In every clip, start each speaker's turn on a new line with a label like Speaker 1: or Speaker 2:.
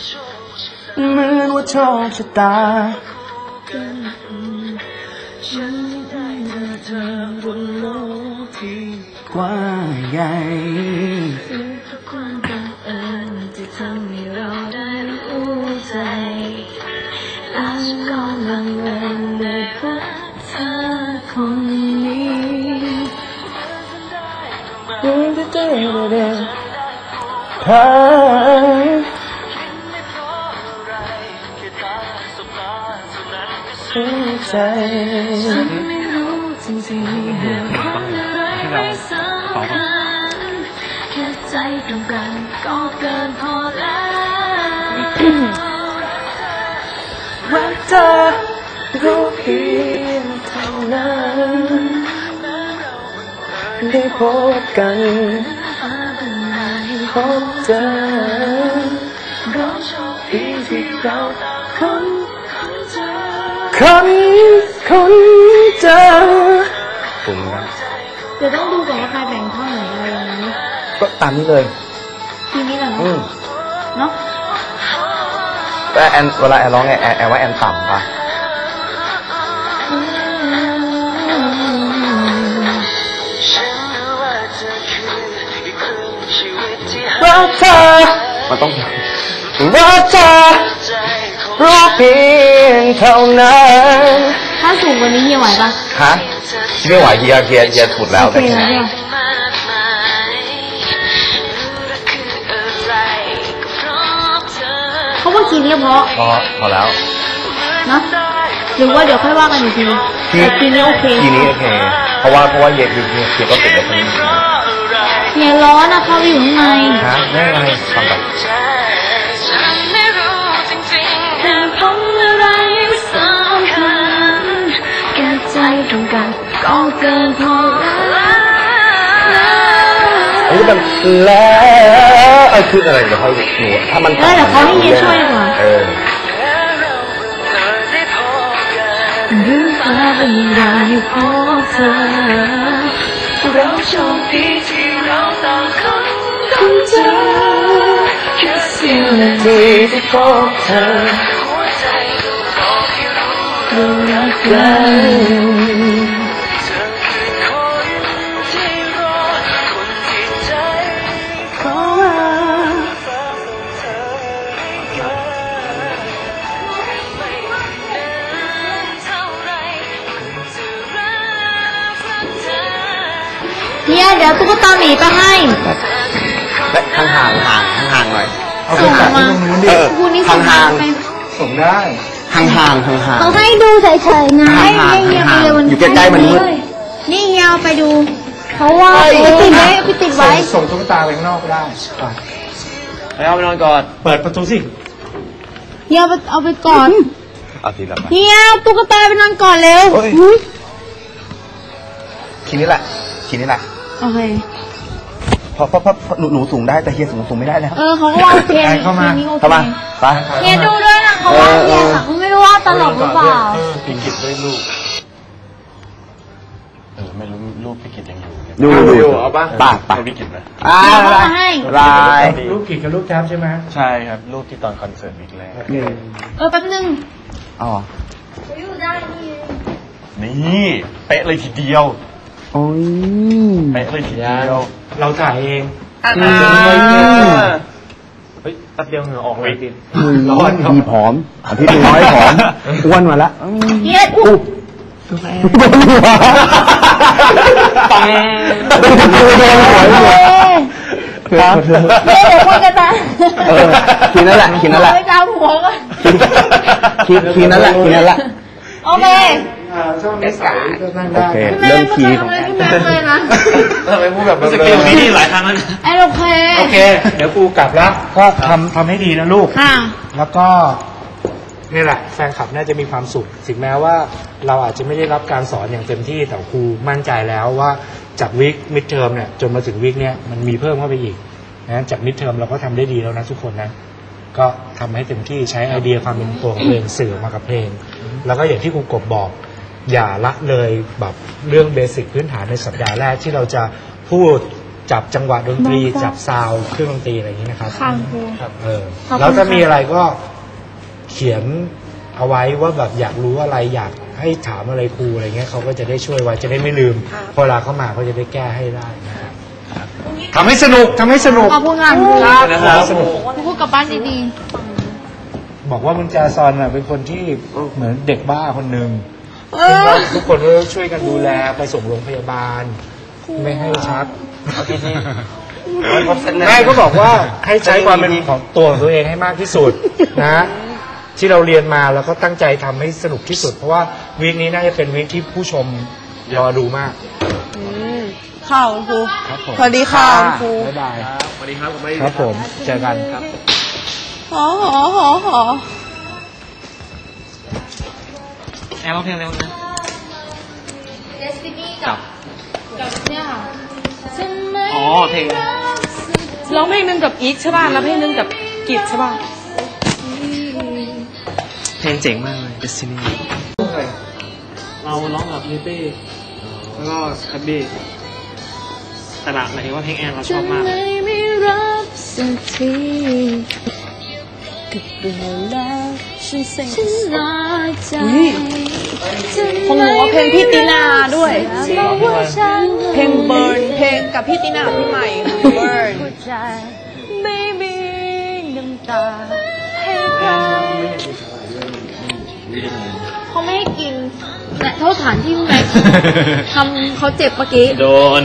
Speaker 1: เหมือนว่าโชคชะตาฉันได้เธอบนโลกที่กว้างใหญ่ทุกความบังเอิญที่ทำให้เราได้รู้ใจและฉันก็ลังเลในรักเธอคนนี้พใจฉันไม่รู้จริงๆเหตุผลอะไรไม่สำคัญแค่ใจตรงกันก็เกินพอแล้วรักเธอรู้เพียงเท่านั้นได้พบกันพบเจอเราโชคดีที่เราคนเจอ
Speaker 2: ผมนะ
Speaker 3: เดี๋ยวต้องดูก่อนว่าใครแบ่งท่อนไหนอะไรอย่างนี้
Speaker 2: ก็ตามนี้เลย
Speaker 3: ทีนี้แหละเนาะ
Speaker 2: แต่แอนเวลาแอนร้องไงแอนว่าแอนต่ำป่ะรักเธอมันต้องรักเธอรู้เพียงเท่านั้น
Speaker 3: ถ้าสูงกว่านี้เฮียไหวปะ
Speaker 2: ฮะไม่ไหวเฮียถูดแล้วแต่
Speaker 3: เขาว่ากินก็
Speaker 2: พอแล้ว
Speaker 3: นะหรือว่าเดี๋ยวค่อยว่ากันอีกทีทีนี้โอเค
Speaker 2: ทีนี้โอเคเพราะว่าเฮียก็ติดแล้วคนนี้
Speaker 3: เฮียร้อนนะเขาอยู่ข้างใน
Speaker 2: ฮะไม่อะไรฟังก่อน
Speaker 3: ตรงกันก็เกินพอ
Speaker 2: แล้วนี่มันแล้วคืออะไรเดี๋ยวเขาหนูถ้ามัน
Speaker 3: เดี๋ยวเขาให้เฮียช่วยดีกว่ารู้ว่าเป็นเราอยู่พบเธอเราโชคดีที่เราต่างคนเจอแค่เสี้ยวนาทีที่พบเธอรู้รักกันเนี่ยเดี๋ยวตุ๊กตาหมีไปให้
Speaker 2: ห่างหน่อย
Speaker 3: ส่งมาคุณนี่ส่งมาไป
Speaker 1: ส่งได้
Speaker 2: ห่าง
Speaker 3: เขาให้ดูเฉยๆไง
Speaker 2: อยู่ใกล้ๆมันมืด
Speaker 3: นี่เฮียไปดูเขาว่าติดไว้ติดไว้
Speaker 1: ส่งตุ๊กตาไปข้างนอกได้
Speaker 2: เอาไปนอนก่อน
Speaker 1: เปิดประตูสิ
Speaker 3: เฮียเอาไปก่อน
Speaker 2: เอาทีละ
Speaker 3: เฮียตุ๊กตาไปนอนก่อนเร็ว
Speaker 2: ทีนี้แหละ
Speaker 3: โอเค
Speaker 2: เพราะหนูสูงได้แต่เฮียสูงไม่ได้แล้ว
Speaker 3: เขาก็ว่าเฮีย
Speaker 2: เข้ามาไป
Speaker 3: เฮียดูด้วยนะเขาว่าเฮียเขาไม่รู้ว่าตลกหรือเปล่า
Speaker 1: พี่กิตได้ลูก
Speaker 2: ไม่รู้ลูกพี่กิตยังอยู่เอาป่ะป่ะพี่กิตนะ
Speaker 3: ล
Speaker 1: ายลูกกิตกับลูกแจ๊บใช่ไหม
Speaker 2: ใช่ครับลูกที่ตอนคอนเสิร์ตวิกแรก
Speaker 3: แป๊บนึง
Speaker 2: อยู่ได้นี่เป๊ะเลยทีเดียว
Speaker 1: โอ้ย
Speaker 2: เป๊ะเลยทีเดียว
Speaker 1: เราถ่ายเองเฮ้ยตัดเดียวเหงื่อออกเลย
Speaker 2: ร้อนดีผอมอาทิตย์น้อยผอมอ้วนมาละ
Speaker 3: เฮียอุ๊บ
Speaker 2: ปัง
Speaker 3: ครับเดี๋ยวคุยกันนะ
Speaker 2: ทีนั่นแหละ
Speaker 3: ไม่จ้าหัวก็
Speaker 2: ทีนั่นแหละ
Speaker 3: โอเค
Speaker 1: ช่วงนี้สายก็นั่งได้
Speaker 2: เริ่มคีย์ของแอน
Speaker 3: เลยนะ
Speaker 2: ทำไมพูดแบบสกิลนี้หลายครั้งแล้ว
Speaker 3: โอเค
Speaker 1: เดี๋ยวกูกลับแล้วก็ทำให้ดีนะลูก
Speaker 3: ค่ะ
Speaker 1: แล้วก็นี่แหละแฟนคลับน่าจะมีความสุขถึงแม้ว่าเราอาจจะไม่ได้รับการสอนอย่างเต็มที่แต่ครูมั่นใจแล้วว่าจากวิกมิดเทอมเนี่ยจนมาถึงวิกเนี่ยมันมีเพิ่มเข้าไปอีกนะจากมิดเทอมเราก็ทำได้ดีแล้วนะทุกคนนะก็ทำให้เต็มที่ใช้ไอเดียความเป็นตัวของเพลงสื่อมากับเพลงแล้วก็อย่างที่ครูกบบอกอย่าละเลยแบบเรื่องเบสิกพื้นฐานในสัปดาห์แรกที่เราจะพูดจับจังหวะดนตรีจับซาวด์เครื่องดนตรีอะไรอย่างนี้นะครับ
Speaker 3: ค่ะครู
Speaker 1: แล้วถ้ามีอะไรก็เขียนเอาไว้ว่าแบบอยากรู้อะไรอยากให้ถามอะไรครูอะไรเงี้ยเขาก็จะได้ช่วยไว้จะได้ไม่ลืมพอเวลาเข้ามาเขาจะได้แก้ให้ได้นะครับทำให้สนุกทำให้สนุก
Speaker 3: ขอบคุณงานครู
Speaker 1: สนุก
Speaker 3: ครูพูดกลับบ้านดี
Speaker 1: บอกว่ามุนจาซอนเป็นคนที่เหมือนเด็กบ้าคนหนึ่งซึ่งว่าทุกคนก็ช่วยกันดูแลไปส่งโรงพยาบาล ไม่ให้ชักแม่ก็บอกว่าให้ใช้ความเป็นของตัวของตัวเองให้มากที่สุดนะ ที่เราเรียนมาแล้วก็ตั้งใจทำให้สนุกที่สุด เพราะว่าวีคนี้น่าจะเป็นวีคที่ผู้ชมรอดูมาก
Speaker 4: ข่าวครู
Speaker 1: ครับผม
Speaker 4: สวัสดีค่ะครู
Speaker 1: บ๊ายบายสวัสดีครับครับผมเจอกันครับ
Speaker 4: หอ
Speaker 2: แอร์ร้องเพลงเร็วนะ
Speaker 3: ๆ Destiny กับเนี่ยค่ะฉันไม่
Speaker 2: อ๋อเพลง
Speaker 4: ร้องเพลงหนึงกับอีกใช่ป่ะแล้วเพลงหนึงกับกิจใช่ป่ะ
Speaker 2: เพลงเจ๋งมากเลย Destiny เราร้องกับนิตี้แล้วก็แฮปปี้แต่ละหมายถึงว่าเพลงแอนเราชอบมาก
Speaker 3: ไม่รับสักทีกับเรื่องแล้วฉันน้อยใจ
Speaker 4: ของหนูว่าเพลงพี่ตินาด้วย
Speaker 3: บอกว่าฉัน
Speaker 4: เพลงเบิร์นเพลงกับพี่ตินาพี่ใหม่เบิร์น
Speaker 3: หัวใจไม่มีน้ำตาให้เราเขาไม่ให้กินแต่โทษฐานที่คุณแม็กทำเขาเจ็บเมื่อกี้
Speaker 2: โดน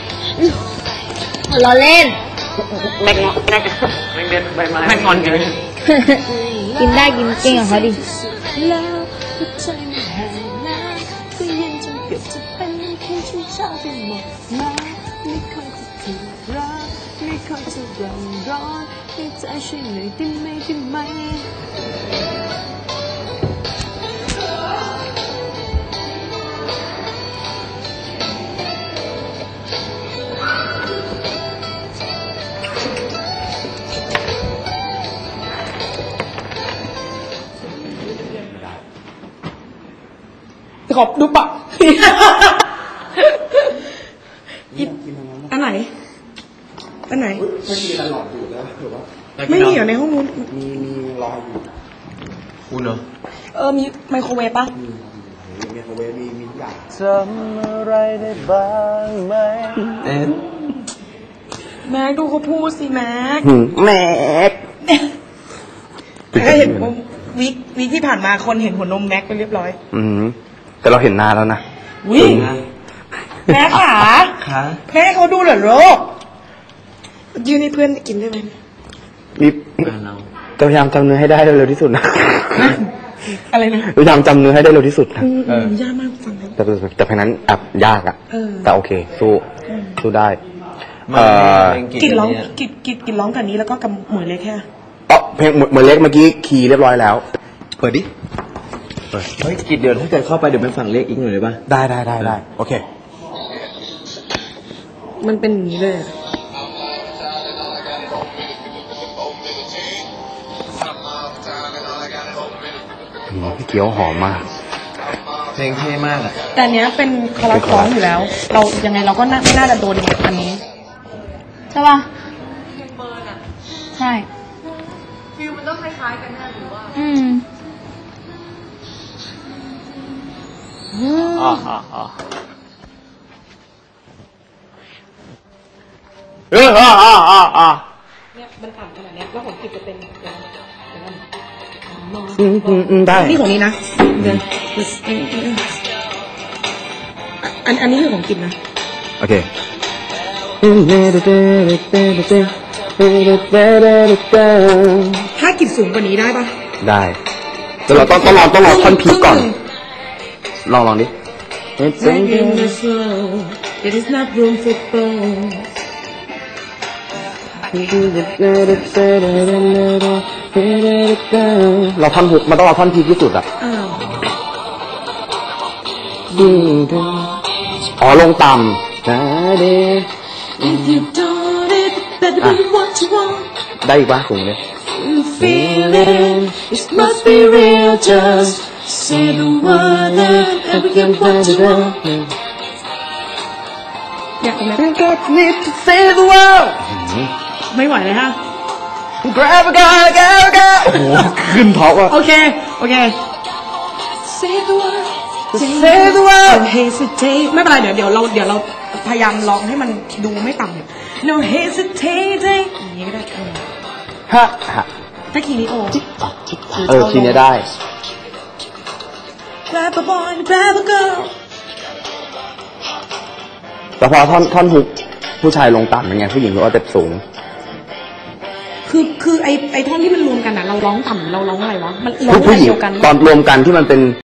Speaker 3: เราเล่น
Speaker 2: แม็กงอนแม็กเด็ดใบไม้แม็กงอนกัน
Speaker 3: กินได้กินเก่งของเขาดิ
Speaker 5: แล้วหัวใจมันแห้งน้ำก็เย็นจนเกือบจะเป็นน้ำแข็งชุ่มชาไปหมดมาไม่ค่อยจะถูกรักไม่ค่อยจะร้อนให้ใจช่วยหน่อยได้ไหมได้ไหม
Speaker 4: ขอบดูปะอันไหน อันไหน ไม่มีเหรอในห้องนู้น
Speaker 2: คุณเหรอ
Speaker 4: มีไมโครเวฟปะ
Speaker 2: จำอะไรได้บ้างไหม
Speaker 4: แม็กดูเขาพูดสิแม็ก
Speaker 2: แม็ก
Speaker 4: ก็เห็นวิกที่ผ่านมาคนเห็นหัวนมแม็กไปเรียบร้อย
Speaker 2: แต่เราเห็นนานแล้วนะ
Speaker 4: วิ่งแม่ขา
Speaker 2: ขา
Speaker 4: แม่เขาดูเหรอโรคยืนให้เพื่อนกินได้ไหม
Speaker 2: มีพยายามจำเนื้อให้ได้เร็วที่สุดนะ
Speaker 4: อะไรนะ
Speaker 2: พยายามจำเนื้อให้ได้เร็วที่สุดนะ
Speaker 4: ยากมากฟังแล้ว
Speaker 2: แต่เพลงนั้นแอบยากอ่ะ แต่โอเค สู้ได้
Speaker 4: กินร้องกินร้องกับนี้แล้วก็กับหมวยเล็กแค่
Speaker 2: เพลงเหมือนเล็กเมื่อกี้คีย์เรียบร้อยแล้ว เปิดดิ เฮ้ยกิดเดี๋ยวถ้าเกิดเข้าไปเดี๋ยวไปฝั่งเล็กอีกหน่อยได้ป่ะ ได้โอเค
Speaker 4: มันเป็นอย่างนี้เลย
Speaker 2: พี่เกี๊ยวหอมมาก เพลงเท่มากอ่ะ
Speaker 4: แต่เนี้ยเป็นคอรัสร้องอยู่แล้ว เรายังไงเราก็ไม่น่าจะโดนอันนี้
Speaker 3: ใช่ป่ะใช่ฟิลมันต้องคล้ายๆกันนะหรือว่า
Speaker 4: เนี่ยมันต่ำขนาดเนี้ยแล้วของกิจจะเป็น
Speaker 2: ได้
Speaker 4: นี่ของนี้นะอันนี้คือของกิจนะ
Speaker 2: โอเค
Speaker 4: ถ้ากิจสูงกว่านี้ได้ปะ
Speaker 2: ได้แต่เราต้องรอท่อนพีก่อน ลองดิ
Speaker 4: There is not room for both
Speaker 2: เราท่อนหุกมันต้องเอาท่อนพีที่สุดอ่ะอ๋อลงต่ำ
Speaker 5: If you don't it better be what you want
Speaker 2: ได้อีกป่ะสูงเลย
Speaker 5: Feel it it must be real just say the word and we can what you want
Speaker 4: เนี่ยตรงเนี้ย
Speaker 3: Got me to save the world
Speaker 4: ไม่ไหวเลยฮะ
Speaker 3: Grab a girl, girl, girl โอ้โหขึ้นท็อปอ่ะ
Speaker 4: โอเค โอเค Save the world
Speaker 3: Save the world
Speaker 4: No hesitate ไม่เป็นไรเดี๋ยวเราพยายามร้องให้มันดูไม่ต่ำ No hesitate อย่างนี้ก็ได้
Speaker 3: ฮะฮะ
Speaker 4: ถ้าคีย์นี้โอ
Speaker 3: ทีนี้ได้
Speaker 4: Grab a boy grab a girl
Speaker 3: แต่พอท่อนฮุกผู้ชายลงต่ำเป็นไงผู้หญิงก็เต็ปสูง
Speaker 4: คือไอท่อนที่มันรวมกันอ่ะเราร้องต่ำเราร้องอะไรวะมันร้อง
Speaker 3: ผู้
Speaker 4: อะไร
Speaker 3: หญิง
Speaker 4: เดียวกัน
Speaker 3: ตอนรวมกันที่มันเป็น